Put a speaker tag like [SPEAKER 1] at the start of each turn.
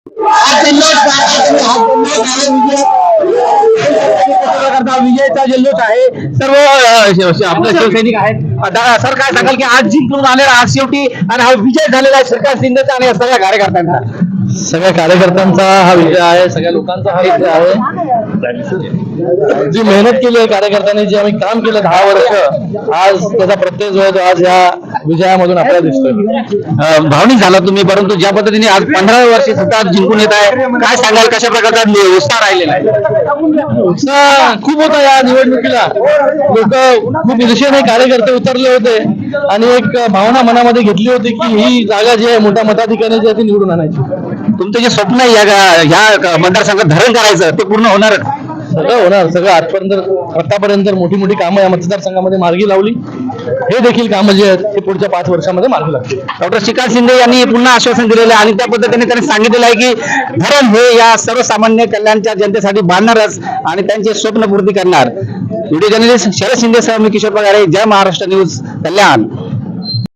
[SPEAKER 1] विजयचा जल्लोष आहे. सर्व आपले शिवसैनिक आहेत. सर काय सांगाल की आज जिंकून आलेला आज शेवटी आणि हा विजय झालेला आहे सरकार शिंदेचा आणि सगळ्या कार्यकर्त्यांचा?
[SPEAKER 2] सगळ्या कार्यकर्त्यांचा हा विजय आहे, सगळ्या लोकांचा हा विजय आहे. जी मेहनत केली आहे कार्यकर्त्यांनी, जे आम्ही काम केलं 10 वर्ष, आज त्याचा प्रत्यय जो आहे तो आज या विजयामधून आपल्याला दिसतोय.
[SPEAKER 1] भावनिक झाला तुम्ही, परंतु ज्या पद्धतीने आज 15 वर्षे सतत जिंकून येत आहे, काय सांगाल कशा प्रकारचा उत्साह राहिलेला आहे?
[SPEAKER 2] उत्साह खूप होता या निवडणुकीला. लोक खूप ईर्षेने कार्यकर्ते उतरले होते आणि एक भावना मनामध्ये घेतली होती की ही जागा जी आहे मोठ्या मताधिकाने जी आहे ती निवडून आणायची.
[SPEAKER 1] तुमचं जे स्वप्न आहे ह्या मतदारसंघात धरण करायचं ते पूर्ण होणार?
[SPEAKER 2] सगळं होणार. सगळं आतापर्यंत मोठी मोठी कामं या मतदारसंघामध्ये मार्गी लावली. हे देखील कामं जे आहेत ते पुढच्या 5 वर्षामध्ये मार्गी लागतील.
[SPEAKER 1] डॉक्टर श्रीकांत शिंदे यांनी पुन्हा आश्वासन दिलेलं आहे आणि त्या पद्धतीने त्यांनी सांगितलेलं आहे की धरण हे या सर्वसामान्य कल्याणच्या जनतेसाठी बांधणारच आणि त्यांचे स्वप्न पूर्ती करणार. व्हिडिओ जर्नलिस्ट शरद शिंदे सह मी किशोर पगारे, जय महाराष्ट्र न्यूज, कल्याण.